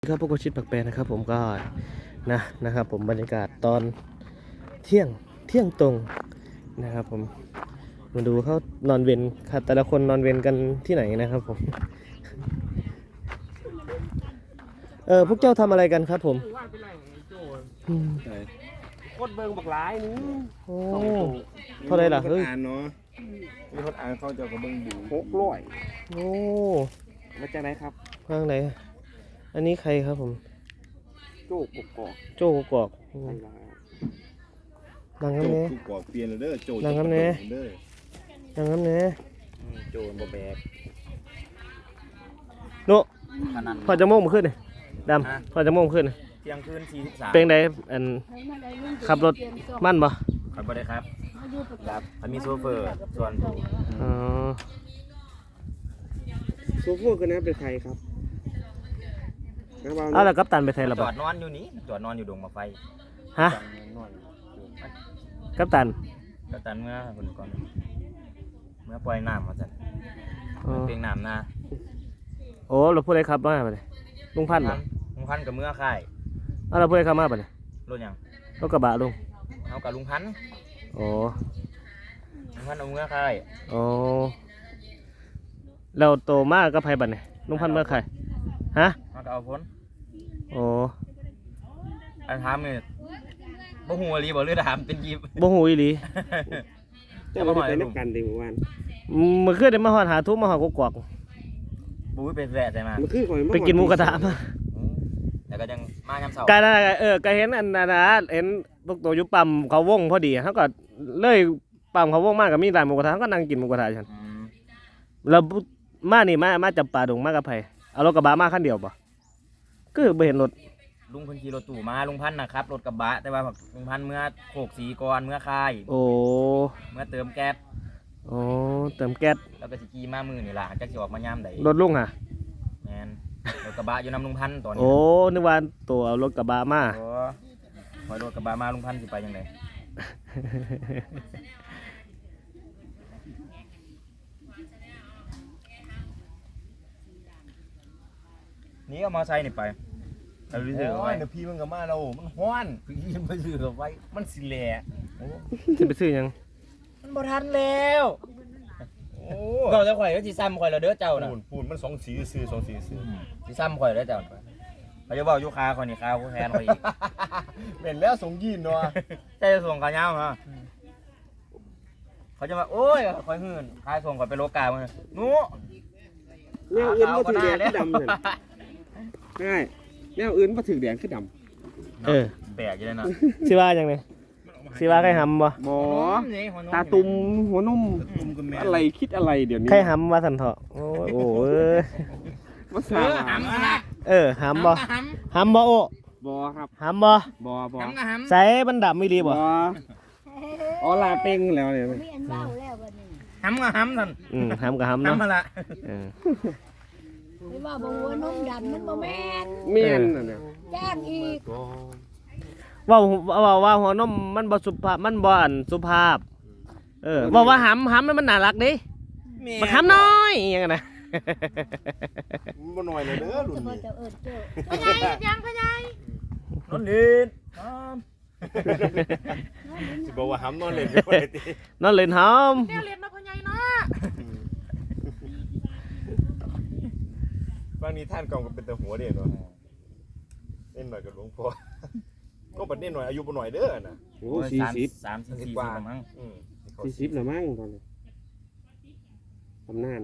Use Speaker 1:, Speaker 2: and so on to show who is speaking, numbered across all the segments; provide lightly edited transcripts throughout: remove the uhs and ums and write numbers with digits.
Speaker 1: ครับพวกชิดปักแปรนะครับผมก็นะครับผมบรรยากาศตอนเที่ยงตรงนะครับผมมาดูเขานอนเวรครับแต่ละคนนอนเวรกันที่ไหนนะครับผมพวกเจ้าทำอะไรกันครับผม
Speaker 2: โคตรเบิ่งบักหลายนี่
Speaker 1: โอ้เท่าไรล่ะเฮ้ย
Speaker 2: เนาะมีคนอ่านเขาจะกับเบิ่งดู
Speaker 1: โอ้
Speaker 2: มาจากไหนครับ
Speaker 1: ข้างไหนอันนี้ใครครับผม
Speaker 2: โจ้กกอก
Speaker 1: โจ้กอกนางน้ำเนี้ย
Speaker 2: กอกเปลี่ยนเลยเด้อโจ้
Speaker 1: นางน้ำเนี้ยนางน้ำเนี้ย
Speaker 2: โจ้บ่แบก
Speaker 1: โน่พอจะโม่งขึ้นเลยดำพอจะโม่งขึ้น
Speaker 2: เที่ยงคืน43
Speaker 1: เป็นไงอันขับรถมั่นบ่
Speaker 2: ขับบ่ได้ครับมีโซเฟอร์ส่วนโซเฟอร์คนนั้นเป็นใครครับ
Speaker 1: เอาแล้วกัปตันไปไทยหรอ
Speaker 2: จอดนอนอยู่นี่จอดนอนอยู่ดงมาไฟ
Speaker 1: ฮะกัปตัน
Speaker 2: เมื่อคนก่อนเมื่อปล่อยน้ำมาจัดเพียงน้ำนะ
Speaker 1: โอ้เราพูดอะไรครับว่าไปเลยลุงพันธุ์
Speaker 2: กับเมื่อค่าย
Speaker 1: เราพูดอะไรครับมาไปเลย
Speaker 2: รถยัง
Speaker 1: รถกระบะลุง
Speaker 2: เอากับลุงพันธุ์
Speaker 1: โอ้
Speaker 2: ลุงพันธุ์เอาเมื่อค่าย
Speaker 1: โอ้เราโตมากก็ไพ่บัตรเนี่ยลุงพันธุ์เมื่อใครฮะ
Speaker 2: มาเอาพ้น
Speaker 1: โอ้
Speaker 2: อันถามเนี่ยบ่หูอีหลีบ่หรือถามเป็นยิบ
Speaker 1: บ่หูอีหลี
Speaker 2: จะมาไปนักกันดีเมื่อวาน
Speaker 1: เมื่อคืนได้มาหอดหาทุ่มมาหอดกวก
Speaker 2: บุ้ยเป็นแฝดใช่ไหม
Speaker 1: ไปกินหมูกระทะมา
Speaker 2: แต่ก็ยังมายามเสาร์
Speaker 1: กก็เห็นอันนะเห็นพวกตัวยุปั๊มเขาวงพอดีเขาก็เลยปั๊มเขาวงมากกับมีร้านหมูกระทะเขาก็นั่งกินหมูกระทะฉันแล้วมานี่มาจับปลาดงมากับไผเอารถกระบะมาคันเดียวป่ะก็ไปเห็นรถ
Speaker 2: ลุงพันขี่รถตู้มาลุงพันนะครับรถกระบะแต่ว่าลุงพันเมื่อโขกสีก่อนเมื่อคาย
Speaker 1: โอ้
Speaker 2: เมื่อเติมแก๊ส
Speaker 1: โอ้เติมแก๊ส
Speaker 2: แล้วก็สิกีมามือนี่ล่ะจักสิออกมายามใด
Speaker 1: รถลุงอ่ะ
Speaker 2: แมนรถกระบะอยู่นำลุงพันตอนนี้
Speaker 1: โอ้นึกว่าตัวเอารถกระบะมา
Speaker 2: โอ้พอรถกระบะมาลุงพันสิไปยังไงนี่เอามาใส่นี่ไปเอาไปซื้อไว้เดี๋ยวพี่มันก็มาเรามันฮ้อนพี่มันไปซื้อไว้มันสิแหล่
Speaker 1: จะไปซื้อยัง
Speaker 2: มันบ่ทันแล้วโอ้ก็จะข่อยก็สิซ้ำข่อยแล้วเด้อเจ้าน่ะปูนมัน2สีซื้อ2สีซื้อสิซ้ำข่อยแล้วเจ้าเขาจะบอกอยู่คาข่อยนี่คาผู้แทนข่อยอีกเป็นแล้วส่งยีนเนาะแต่จะส่งกะยาวเนาะเขาจะมาโอ้ยข่อยหื่นคายส่งข่อยไปโลกามันหนู
Speaker 3: แนวอื่นบ่ถือแดงคือดำนั่นง่ายแนวอื่นบ่ถือแดงคือด
Speaker 2: ำแปลกอยู่เลยนะ
Speaker 1: สิว่าจังได๋สิว่าใครหำบ่
Speaker 3: หมอตาตุ่มหัวนุ่มอะไรคิดอะไรเดี๋ยวนี้
Speaker 1: ใครหำว่าซั่นเถาะโอ้
Speaker 3: ภาษา
Speaker 2: หำ
Speaker 1: หำบ่หำบ่โอ้
Speaker 3: บ่ครับ
Speaker 1: หำบ่ใส่มันดำไม่ดีบ่
Speaker 3: อ๋อลาเป้งแล้วเนี่ย
Speaker 2: หำกับหำท่าน
Speaker 1: หำกับหำเนาะ
Speaker 2: หำมาละ
Speaker 4: ไม่ว่าบ่ว่านุ่มดำมันบ่แม่น
Speaker 3: น่ะเนี่ย
Speaker 4: แจ้งอีก
Speaker 1: ว่าหัวนมมันบ่สุภาพมันบ่อันสุภาพบอกว่าหำมันน่ารักดิมันหำน้อยอย่างนั้นนะ
Speaker 2: บ่น้อยเลยเด้อรุ่นนี้
Speaker 4: พ่อใหญ่ยังพ่อใหญ่
Speaker 2: นอนเล่นสิบอกว่าหำนอนเล่นบ่ได้ติ
Speaker 1: นอนเล่นหำ
Speaker 4: แนวเล่นเนาะพ่อใหญ่เนาะ
Speaker 2: บางนี้ท่านกองก็เป็นแต่หัวเด้เนาะเล่นหน่อยกับหลวงพ่อก็บัดนี้หน่อยอายุบ่หน่อยเด้อน่ะ
Speaker 3: โอ้40
Speaker 2: 30กว่ามั้ง
Speaker 3: 40แล้วมั้งตอนนี้ตำนาน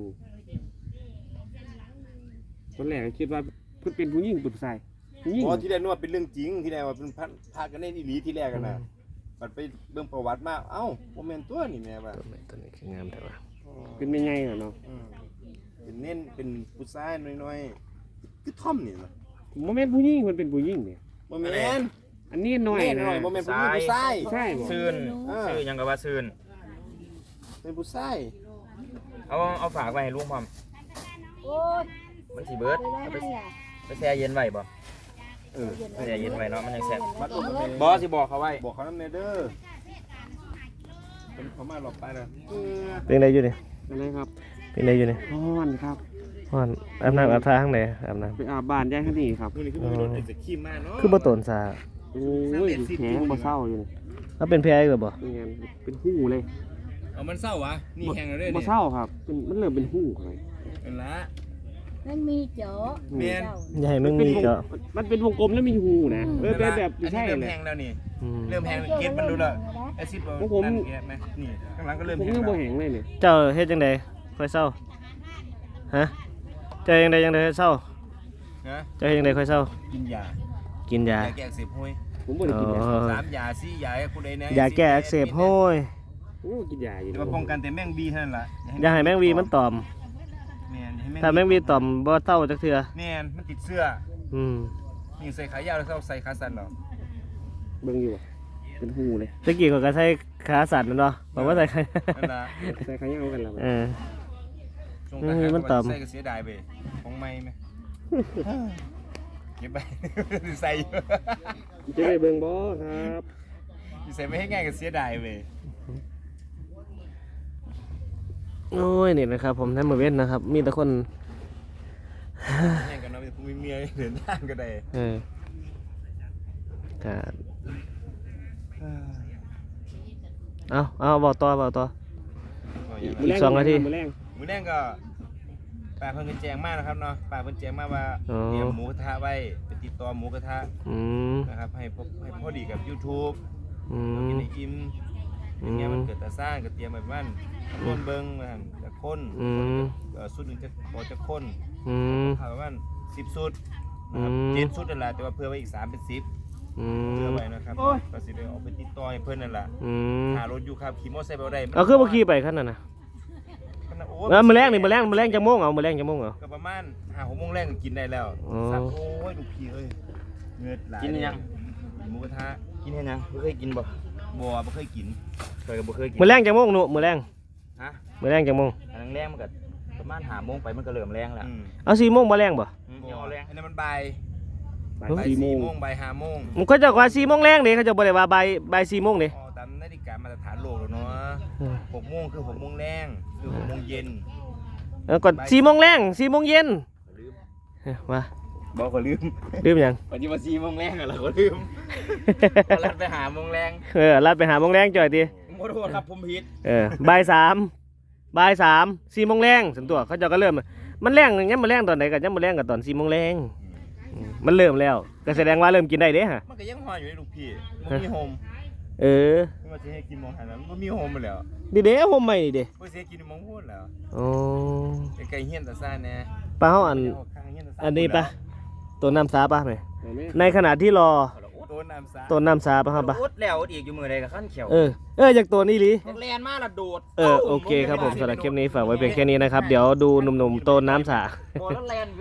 Speaker 3: ตอนแรกคิดว่าเพิ่นเป็นผู้หญิงผู้ชายผู้หญิง
Speaker 2: อ๋อที่แรกนึกว่าเป็นเรื่องจริงที่แรกว่าเป็นพากันเล่นอีหลีที่แรกกันน่ะบัดไปเบิ่งประวัติมาเอ้าบ่แม่นตัวนี่แม่ว่า
Speaker 1: ตัวนี้คืองามแต่ว่า
Speaker 3: เป็นแม่ใหญ่น่ะเนาะ
Speaker 2: เป็นเน้นเป็นผู้ชายน้อยๆคือท่อมนี่ล่ะ
Speaker 3: บ่แม่นผู้หญิงมันเป็นผู้หญิงนี่
Speaker 2: บ่แม่น
Speaker 3: อันนี้น้อยนะ
Speaker 2: บ่แม่นผู้ชาย
Speaker 3: ใช่บ่
Speaker 2: ซื่นยังก็ว่าซื่นเป็นผู้ชายเอาฝากไว้ให้ลุงพร้อม
Speaker 4: โอ้ย
Speaker 2: มันสิเบิดไปแช่เย็นไว้บ่แช่เย็นไว้เนาะมันยังแซ่บบ่สิบอกเขาไว้บอกเขานำแน่เด้อเป็นเขามาหลบไปแล้ว
Speaker 1: เป็นไรอยู่นี่
Speaker 3: อะไรครับ
Speaker 1: เป็นไรอยู่นี่
Speaker 3: ฮ้อนครับ
Speaker 1: ฮ้อนอาบน้ำอาบท่าข้างในอาบน้
Speaker 3: ไปอาบบ้านย่างข้างนี้ครับ
Speaker 2: มื้อนี้คือบ่มีรถไอ้สขี้มาเนาะ
Speaker 1: ำคือบ่โตนซา
Speaker 3: โอ้ยแข็งบ่เศร้าอยู่นี่
Speaker 1: ถ้าเป็นแพ้อีกหรือบ่
Speaker 3: เป็นไงเป็นหู้เลย
Speaker 2: เอามันเศร้าวะนี่แห้งแล้วเด้อ
Speaker 3: บ่
Speaker 2: นี่
Speaker 3: เศร้าครับมันเริ่มเป็นหู้เลย
Speaker 2: เป็นละ
Speaker 4: มันมีเจาะ
Speaker 2: แม่น
Speaker 1: อย่าให้มึงมีก็
Speaker 3: มันเป็นวงกลมแล้วมีหูนะเป็นแบบ
Speaker 2: อัน
Speaker 3: ใช่
Speaker 2: นี้เริ่ม
Speaker 3: เลย
Speaker 2: แห้งแล้วนี่
Speaker 1: อืม
Speaker 2: เริ่มแห้งเก็บมันดูและไอ้ซิปเรา
Speaker 3: ของผม
Speaker 2: นั่นเก็บไหมนี่ข้างหลังก็เริ่ม
Speaker 3: ผม
Speaker 2: แห้ง
Speaker 3: ยัง
Speaker 2: แล้
Speaker 3: บ่
Speaker 2: ว
Speaker 3: แห้งเลยเนี่ย
Speaker 1: เจ้าเฮ็ดจังไดค่อยเศร้าฮะเจ้าจังไดเศร้า
Speaker 2: นะ
Speaker 1: เจ้าเฮ็ดจังไดค่อยเศร้า
Speaker 2: กินยา
Speaker 1: กินยา
Speaker 2: แก้อักเสบห้วย
Speaker 3: ผมบ่ได้กินยา
Speaker 2: สามยาสี่ยาให้คุณใดเนี่ย
Speaker 1: ยาแก้อักเสบโห้ย
Speaker 3: โอ้กินยาอยู่
Speaker 2: จะมาป้องกันแต่แมงบีเท่านั้นล่ะ
Speaker 1: อย่าให้แมงวีมันตอม
Speaker 2: แม่นอย่ให้
Speaker 1: ถ้าแมงวีตอมบ่เศร้าจักเทื่อ
Speaker 2: แม่นมันติดเสื้อ
Speaker 1: อืม
Speaker 2: นี่ใส่ขายาวแล้วเขาใส่ขาสั้นเหรอ
Speaker 3: เบิ่งอยู่บ่เป็นหูเลย
Speaker 1: ตะกี้เขาก็ใช้ขาสั่นนั่นเนาะบอกว่าใส่ขา
Speaker 2: นั่นล่ะ
Speaker 3: ใส่ขายาวกันแล้ว
Speaker 1: เออ
Speaker 2: ช่วงทหาร
Speaker 1: มันต่ำ
Speaker 2: ใส่ก็เสียดายไปของไม่ไหมเก็บไป ใส่อยู่
Speaker 3: จะได้เบิ่งบ่ครับ
Speaker 2: ใส่ไม่ให้ง่ายก็เสียดายไป
Speaker 1: โอ้ยนี่นะครับ ผมท่านมาเว้นนะครับ มีแต่คน
Speaker 2: แย่งกันเนาะมีเมียเดินทางก็ได้
Speaker 1: เออก็เอาบอกต่อ อีก2 นาที
Speaker 3: มื้อแรง
Speaker 2: มื้อแรกก็ป้าเพิ่นก็แจ้งมานะครับเนาะป้าเพิ่นแจ้งมาว่า
Speaker 1: อ๋อ
Speaker 2: เตรียมหมูกระทะไว้ไปติดต่อหมูกระทะ
Speaker 1: อืม
Speaker 2: นะครับให้พอดีกับ YouTube
Speaker 1: อื
Speaker 2: เรากิน
Speaker 1: ม
Speaker 2: ให้อิ่มอย่างเงี้ยมันเกิดแต่สร้างก็เตรียมไว้ประมาณต้นเบิ่งนะครับจะคน
Speaker 1: อืม
Speaker 2: สุดหนึงจะพอจะคน
Speaker 1: อืม
Speaker 2: ประมาณ10ชุดนะครับ
Speaker 1: อืม
Speaker 2: 7ชุดนั่นแหละแต่ว่าเพื่อไว้อีก3เป็น10
Speaker 1: อื
Speaker 2: เพื่อ
Speaker 1: ม
Speaker 2: ไว้นะครับก็สิได้ออกไปติดต่อให้เพิ่นนั่นแหละ
Speaker 1: อืม
Speaker 2: หารถอยู่ครับขี่มอเตอร์ไซค์ไปบ่ได้
Speaker 1: เอาคือบ่ขี่ไปขั้นนั้นน่ะ
Speaker 2: โอ้
Speaker 1: มื้อแรงนี่มื้อแรงจังโมงเอามื้อแรงจังโมงเอา
Speaker 2: ก็ประมาณ5-6โมงแรกก็กินได้แล้ว
Speaker 1: อ๋อ
Speaker 2: สักโอ้ยลูกพี่เอ้ยเงือดไหล
Speaker 5: กินยัง
Speaker 2: หมูกระทะ
Speaker 5: กินเห็นยังบ่เคยกินบ่
Speaker 2: บ่บ่เคยกิน
Speaker 5: เคยก็บ่เคยกิน
Speaker 1: มื้อแรงจังโมงหนูมื้อแรง
Speaker 5: ฮะ
Speaker 1: มื้อแรงจังโมง
Speaker 5: อันนั้นแรงมันก็ประมาณ5โมงไปมันก็เริ่มแรงแล้ว
Speaker 2: อืม
Speaker 1: เอา4โมงบ่แรงบ่
Speaker 5: บ่แรง
Speaker 2: อันนั้นมันบ่าย
Speaker 3: บ่าย
Speaker 2: บ่าย
Speaker 3: 4
Speaker 2: 4
Speaker 3: โมง
Speaker 2: โมงบ่าย5โมง
Speaker 1: มันก็จะว่า4โมงแรงเด้เขาจะบ่ได้ว่าบ่าย4โมงเด้
Speaker 2: อ๋อตามนาฬิกามาตรฐานโลกแล้วเนาะ
Speaker 1: เออ
Speaker 2: 6โมงคือ6โมงแรงคือ6โมงเย็น
Speaker 1: แล้วก็4โมงแรง4โมงเย็นเอ้ยว่า
Speaker 5: บ่ก็ลืม
Speaker 1: ลืมหยัง
Speaker 5: ปัจจุบัน4โมงแรงอะเราก็ลืมก็ลัดไปหาโมงแรง
Speaker 1: ลัดไปหาโมงแรงจ่อยติ
Speaker 2: ขอโทษครับผมผิด
Speaker 1: บ่าย3 4โมงแรงสันตัวเขาเจ้าก็เริ่ม มันแรงยังมาแรงตอนไหนกันยังมาแรงกับตอน4โมงแรงมันเริ่มแล้วก็แสดงว่าเริ่มกินได้เด้ฮะ
Speaker 2: มันก็ยังหอยอยู่ในลูกพี่บ่มีโฮม
Speaker 1: เออ
Speaker 2: ไม่ว่าสิให้กินหมองหันนั้นบ่มีโฮมไปแล้ว
Speaker 1: ดีเด้ผมใหม่นี่เด้
Speaker 2: บ่สิให้กินหมองพูดแล้ว
Speaker 1: อ๋อ
Speaker 2: ไกลๆเฮียนตาซ่าแน่
Speaker 1: ปลาเฮาอัน
Speaker 2: ข้างเฮียนตาซ่า
Speaker 1: อันนี้ปะตัวน้ำสาปะไหม
Speaker 3: เอาแม่
Speaker 1: ในขณะที่รอ
Speaker 2: ตัวน้ำซ่า
Speaker 1: ตัวน้ำสาปะครับปะ
Speaker 5: อุดแล้วอุดอีกอยู่มื้อใดก็คั่นเขียว
Speaker 1: อยากตัวนี้ลี
Speaker 5: แลนมาละโดด
Speaker 1: โอเคครับผมสำหรับคลิปนี้ฝากไว้เพียงแค่นี้นะครับ เดี๋ยวดูหนุ่มๆโตนน้ำสา
Speaker 5: บ่แล้วแลน